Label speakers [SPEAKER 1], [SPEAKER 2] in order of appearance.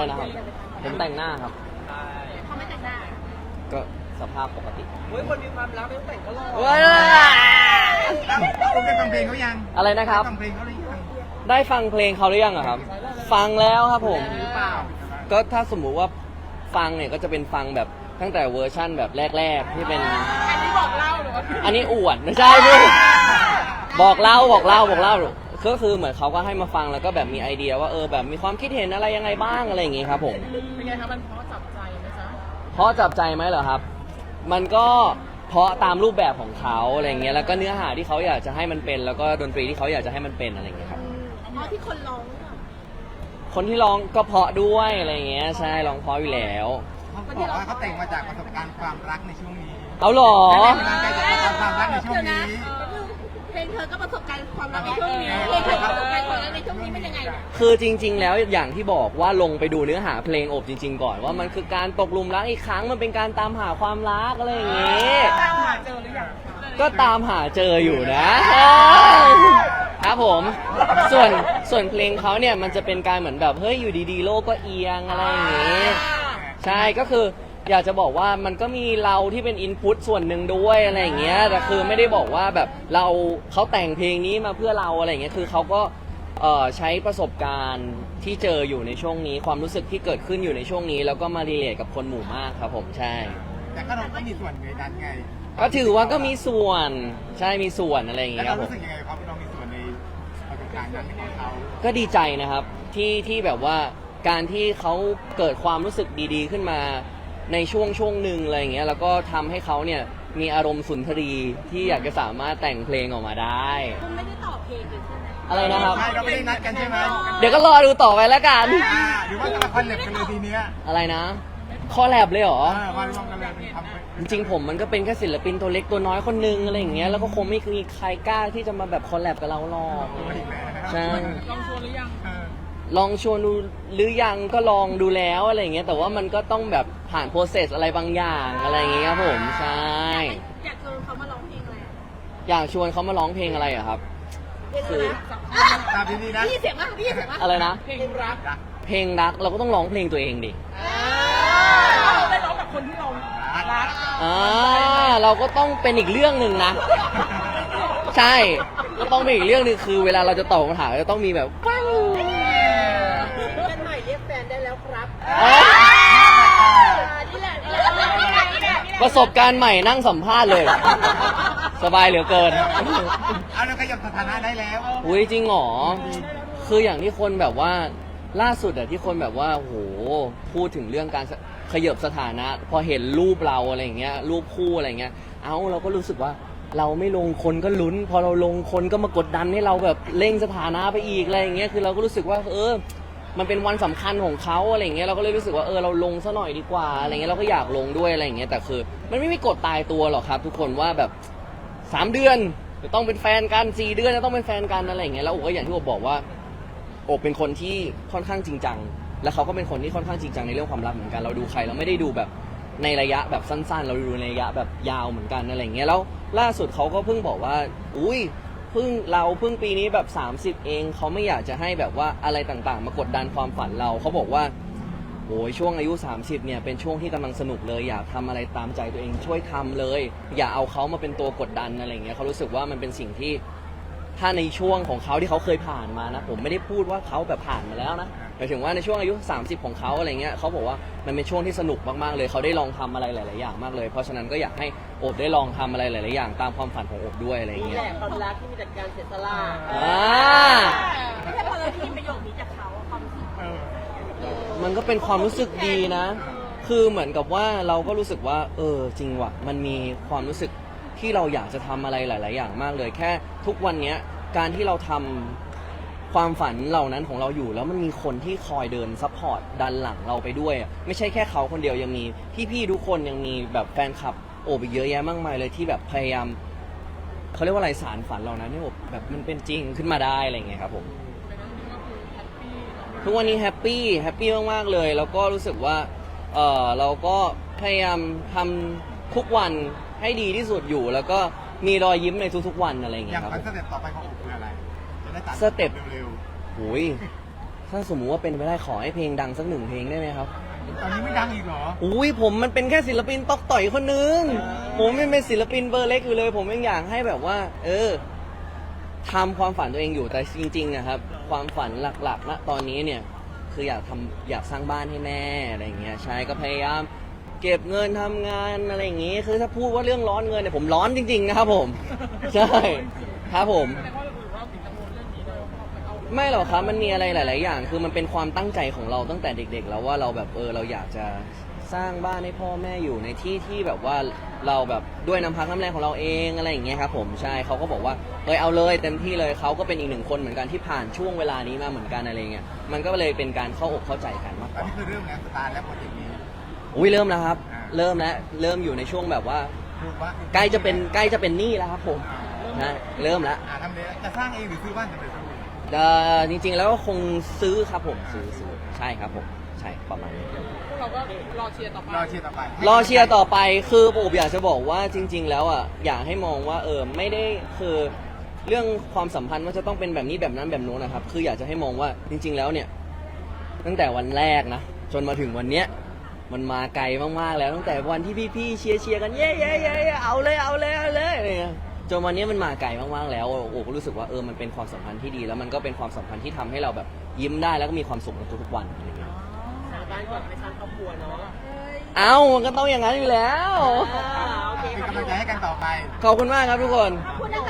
[SPEAKER 1] อะไรนะครับผมแต่งหน้าครับ
[SPEAKER 2] เขาไม่แต่งหน้า
[SPEAKER 1] ก็สภาพปกติ
[SPEAKER 3] เฮ้ยคนมีความรักไม่ต้องแต่งก็หล่อ
[SPEAKER 4] คุณได้ฟังเพลงเขายัง
[SPEAKER 1] อะไรนะครับ
[SPEAKER 4] ฟังเพลงเขาหรือยัง
[SPEAKER 1] ได้ฟังเพลงเขาหรือยังอะครับฟังแล้วครับผม
[SPEAKER 3] หรือเปล่า
[SPEAKER 1] ก็ถ้าสมมุติว่าฟังเนี่ยก็จะเป็นฟังแบบตั้งแต่เวอร์ชั่นแบบแรกๆที่เป็น
[SPEAKER 2] อันนี้บอกเล่าหรือว่า
[SPEAKER 1] อันนี้อวดไม่ใช่พี่บอกเล่าก็คือเหมือนเขาก็ให้มาฟังแล้วก็แบบมีไอเดียว่าแบบมีความคิดเห็นอะไรยังไงบ้างอะไรอย่างงี้ครับผม
[SPEAKER 2] เป็นไงครับมันเพราะจับใจไหมจ๊ะ
[SPEAKER 1] เพราะจับใจไหมเหรอครับมันก็เพราะตามรูปแบบของเขาอะไรเงี้ยแล้วก็เนื้อหาที่เขาอยากจะให้มันเป็นแล้วก็ดนตรีที่เขาอยากจะให้มันเป็นอะไรเงี้ยครับ
[SPEAKER 2] เพราะที่คนร้อง
[SPEAKER 1] คนที่ร้องก็เพราะด้วยอะไรเงี้ยใช่ร้องเพราะอยู่แล้ว
[SPEAKER 4] เขาบอกว่าเขาแต่งมาจากประสบการณ์ความรักในช่วงนี้
[SPEAKER 1] เอาหรอ
[SPEAKER 4] แต่งจากความรักในช่วงนี้
[SPEAKER 2] เพลงเธอก็ประสบการณ์ความรักในช่วงนี้เพลงเธอประสบการณ์ความรักในช่วงนี้เป็นยังไง
[SPEAKER 1] คือจริงๆแล้วอย่างที่บอกว่าลงไปดูเนื้อหาเพลงโอบจริงๆก่อนว่ามันคือการตกหลุมรักอีกครั้งมันเป็นการตามหาความรักอะไรอย่างงี้
[SPEAKER 2] ตามหาเจอหรือยัง
[SPEAKER 1] ก็ตามหาเจออยู่นะครับผมส่วนเพลงเขาเนี่ยมันจะเป็นการเหมือนแบบเฮ้ยอยู่ดีๆโลกก็เอียงอะไรอย่างงี้ใช่ก็คืออยากจะบอกว่ามันก็มีเราที่เป็นอินพุตส่วนหนึ่งด้วยอะไรอย่างเงี้ยแต่คือไม่ได้บอกว่าแบบเขาแต่งเพลงนี้มาเพื่อเราอะไรอย่างเงี้ยคือเขาก็ใช้ประสบการณ์ที่เจออยู่ในช่วงนี้ความรู้สึกที่เกิดขึ้นอยู่ในช่วงนี้แล้วก็มารีเลทกับคนหมู่มากครับผมใช่
[SPEAKER 4] แต่ก็เราก็มีส่วนในนั้นไง
[SPEAKER 1] ก็ถือว่าก็มีส่วนใช่มีส่วนอะไรอย่างเงี้ยครับผม
[SPEAKER 4] รู้สึกยังไงครับเรามีส่วนในประสบการณ์นั้นของเขา
[SPEAKER 1] ก็ดีใจนะครับที่แบบว่าการที่เขาเกิดความรู้สึกดีๆขึ้นมาในช่วงหนึ่งอะไรอย่างเงี้ยแล้วก็ทำให้เขาเนี่ยมีอารมณ์สุนทรีที่อยากจะสามารถแต่งเพลงออกมาได้
[SPEAKER 2] คุณไม่ได้ต่อเพลงกันใช่ไหม
[SPEAKER 1] อะไรนะครับ
[SPEAKER 4] ใช่เราไม่ได้นัดกันใช่ไหม
[SPEAKER 1] เดี๋ยวก็รอดูต่อไปแล้วกัน
[SPEAKER 4] หรือว่าจะมาคอนเล็บกันเลยทีเนี้ย
[SPEAKER 1] อะไรนะคอแลบเลยเหรอ
[SPEAKER 4] วันรวมกันเลยท
[SPEAKER 1] ำจริงๆผมมันก็เป็นแค่ศิลปินตัวเล็กตัวน้อยคนนึงอะไรอย่างเงี้ยแล้วก็คงไม่มีใครกล้าที่จะมาแบบคอลแลบกับเราหรอกใช่
[SPEAKER 2] ลองชวนหรือยัง
[SPEAKER 1] ลองชวนดูหรือยังก็ลองดูแล้วอะไรอย่างเงี้ยแต่ว่ามันก็ต้องแบบผ่านโปรเซสอะไรบางอย่างอะไรอย่างเงี้ยครับผมใช่
[SPEAKER 2] อยากชวนเขามาร้องเพลงอะไร
[SPEAKER 1] อยากชวนเขามาร้องเพลงอะไรอะครับ
[SPEAKER 2] คือ
[SPEAKER 4] ตามดีๆนะ
[SPEAKER 2] พี่เสียงมากพี่เสียงมาก
[SPEAKER 1] อะไรนะ
[SPEAKER 2] เพลงรัก
[SPEAKER 1] เราก็ต้องร้องเพลงตัวเองดิ
[SPEAKER 2] เราได้ร้องกับคนที่เรารัก
[SPEAKER 1] เราก็ต้องเป็นอีกเรื่องหนึ่งนะใช่ก็ต้องเป็นอีกเรื่องหนึ่งคือเวลาเราจะตอบคำถามจะต้องมีแบบฟัง
[SPEAKER 2] เป็นใหม่เรียกแฟนได้แล้วครับ
[SPEAKER 1] ประสบการณ์ใหม่นั่งสัมภาษณ์เลยสบายเหลือเกิน
[SPEAKER 4] เอาเราขยับสถานะได้แล้ว
[SPEAKER 1] อุ้ยจริงหรอคืออย่างที่คนแบบว่าล่าสุดอะที่คนแบบว่าโหพูดถึงเรื่องการขยับสถานะพอเห็นรูปเราอะไรอย่างเงี้ยรูปคู่อะไรเงี้ยเราก็รู้สึกว่าเราไม่ลงคนก็ลุ้นพอเราลงคนก็มากดดันให้เราแบบเร่งสถานะไปอีกอะไรอย่างเงี้ยคือเราก็รู้สึกว่ามันเป็นวันสำคัญของเขาอะไรอย่างเงี้ยเราก็เลยรู้สึกว่าเราลงซะหน่อยดีกว่าอะไรเงี้ยเราก็อยากลงด้วยอะไรอย่างเงี้ยแต่คือมันไม่มีกฎตายตัวหรอกครับทุกคนว่าแบบ3 เดือนจะต้องเป็นแฟนกัน4 เดือนจะต้องเป็นแฟนกันอะไรอย่างเงี้ยแล้วก็อย่างที่ผมบอกว่าโอบเป็นคนที่ค่อนข้างจริงจังและเขาก็เป็นคนที่ค่อนข้างจริงจังในเรื่องความรักเหมือนกันเราดูใครเราไม่ได้ดูแบบในระยะแบบสั้นๆเราดูในระยะแบบยาวเหมือนกันอะไรอย่างเงี้ยแล้วล่าสุดเขาก็เพิ่งบอกว่าอุ้ยเพิ่งปีนี้แบบ30เองเขาไม่อยากจะให้แบบว่าอะไรต่างๆมากดดันความฝันเราเขาบอกว่าโอ้ยช่วงอายุ30เนี่ยเป็นช่วงที่กำลังสนุกเลยอยากทำอะไรตามใจตัวเองช่วยทำเลยอย่าเอาเขามาเป็นตัวกดดันอะไรอย่างเงี้ยเขารู้สึกว่ามันเป็นสิ่งที่ถ้าในช่วงของเขาที่เขาเคยผ่านมานะผมไม่ได้พูดว่าเขาแบบผ่านมาแล้วนะหมายถึงว่าในช่วงอายุ30ของเขาอะไรเงี้ยเขาบอกว่ามันเป็นช่วงที่สนุกมากๆเลยเขาได้ลองทำอะไรหลายๆอย่างมากเลยเพราะฉะนั้นก็อยากให้โอบได้ลองทำอะไรหลายๆอย่างตามความฝันของโอบด้วยอะไรเงี้ย
[SPEAKER 2] นี่แหละความรักที่มีแต่การเสียสละไม่ใช่พอเราได้ยินประโยคนี้จากเขาความรู้สึก
[SPEAKER 1] มันก็เป็นความรู้สึกดีนะคือเหมือนกับว่าเราก็รู้สึกว่าจริงว่ะมันมีความรู้สึกที่เราอยากจะทำอะไรหลายๆอย่างมากเลยแค่ทุกวันนี้การที่เราทำความฝันเหล่านั้นของเราอยู่แล้วมันมีคนที่คอยเดินซัพพอร์ตดันหลังเราไปด้วยไม่ใช่แค่เขาคนเดียวยังมีพี่ๆทุกคนยังมีแบบแฟนคลับโอบอีกเยอะแยะมากมายเลยที่แบบพยายามเขาเรียกว่าอะไรสารฝันเหล่านั้นให้โอบแบบมันเป็นจริงขึ้นมาได้อะไรอย่างเงี้ยครับผมทุกวันนี้แฮปปี้มากๆเลยแล้วก็รู้สึกว่าเราก็พยายามทำทุกวันให้ดีที่สุดอยู่แล้วก็มีรอยยิ้มในทุกๆวันอะไรอย่างเงี้ยครับ
[SPEAKER 4] สเต็ปต่อไปของโอบคืออะไรจะได้ตัด
[SPEAKER 1] สเต็ป
[SPEAKER 4] เร็ว
[SPEAKER 1] โอ้ยถ้าสมมุติว่าเป็นไปได้ขอให้เพลงดังสัก1 เพลงได้ไหมครับ
[SPEAKER 4] ตอนนี้ไม่ดังอีกเหรอ
[SPEAKER 1] อุ้ยผมมันเป็นแค่ศิลปินตอกต่อยคนนึง ผมยังเป็นศิลปินเบอร์เล็กอยู่เลย ผมยังอยากให้แบบว่า ทำความฝันตัวเองอยู่แต่จริงๆนะครับ ความฝันหลักๆณตอนนี้เนี่ยคืออยากสร้างบ้านให้แม่อะไรอย่างเงี้ยใช่ก็พยายามเก็บเงินทำงานอะไรอย่างงี้คือถ้าพูดว่าเรื่องร้อนเงินเนี่ยผมร้อนจริงๆนะครับผม ใช่ครับผม ไม่หรอกครับมันมีอะไรหลาย ๆ อย่าง คือมันเป็นความตั้งใจของเราตั้งแต่เด็ก ๆ แล้วว่าเราแบบเราอยากจะสร้างบ้านให้พ่อแม่อยู่ในที่ที่แบบว่าเราแบบด้วยน้ำพักน้ำแรงของเราเองอะไรอย่างเงี้ยครับผมใช่เขาก็บอกว่าเอาเลยเต็มที่เลยเขาก็เป็นอีก1 คนเหมือนกันที่ผ่านช่วงเวลานี้มาเหมือนกันอะไรเงี้ยมันก็เลยเป็นการเข้าอกเข้าใจกันมาก
[SPEAKER 4] ต
[SPEAKER 1] ก
[SPEAKER 4] อน
[SPEAKER 1] ว่า
[SPEAKER 4] นี้คือเริ่มแล้วสตาร์ทแล้วโปรเจกต์นี้
[SPEAKER 1] อุ้ยเริ่มแล้วครับ
[SPEAKER 4] อ่า
[SPEAKER 1] เริ่มแล้วเริ่มอยู่ในช่วงแบบว่า
[SPEAKER 4] พูดว่า
[SPEAKER 1] ใกล้จะเป็นหนี้แล้วครับผมนะเริ่มแล้ว
[SPEAKER 4] ทำเลยจะสร้างเองหรือซื้อบ้านสำเร็จรูป
[SPEAKER 1] จริง ๆ แล้วก็คงซื้อครับผมซื้อใช่ครับผมใช่ประมาณนี้
[SPEAKER 3] เราก็รอเชียร์ต่อไป
[SPEAKER 4] รอเชียร์ต่อไป
[SPEAKER 1] รอเชียร์ต่อไปคือผมอยากจะบอกว่าจริง ๆ แล้วอ่ะอยากให้มองว่าไม่ได้คือเรื่องความสัมพันธ์ว่าจะต้องเป็นแบบนี้แบบนั้นแบบโน้นนะครับคืออยากจะให้มองว่าจริง ๆ แล้วเนี่ยตั้งแต่วันแรกนะจนมาถึงวันเนี้ยมันมาไกลมากๆแล้วตั้งแต่วันที่พี่ๆเชียร์กันเย้เอาเลยอะไรเงี้ยจนวันนี้มันมาไกลมากๆแล้วโอ้ก็รู้สึกว่ามันเป็นความสัมพันธ์ที่ดีแล้วมันก็เป็นความสัมพันธ์ที่ทำให้เราแบบยิ้มได้แล้วก็มีความสุขในทุกๆวันอะไรเงี้ย
[SPEAKER 2] สาบานก่อนไม่สร้างครอบครัวเนาะ
[SPEAKER 1] มันก็ต้องอย่างนั้นอยู่แล้ว
[SPEAKER 2] โอเค
[SPEAKER 4] เป็นกำลังใจให้กันต่อไป
[SPEAKER 1] ขอบคุณมากครับทุกคน
[SPEAKER 2] ขอบคุณนะ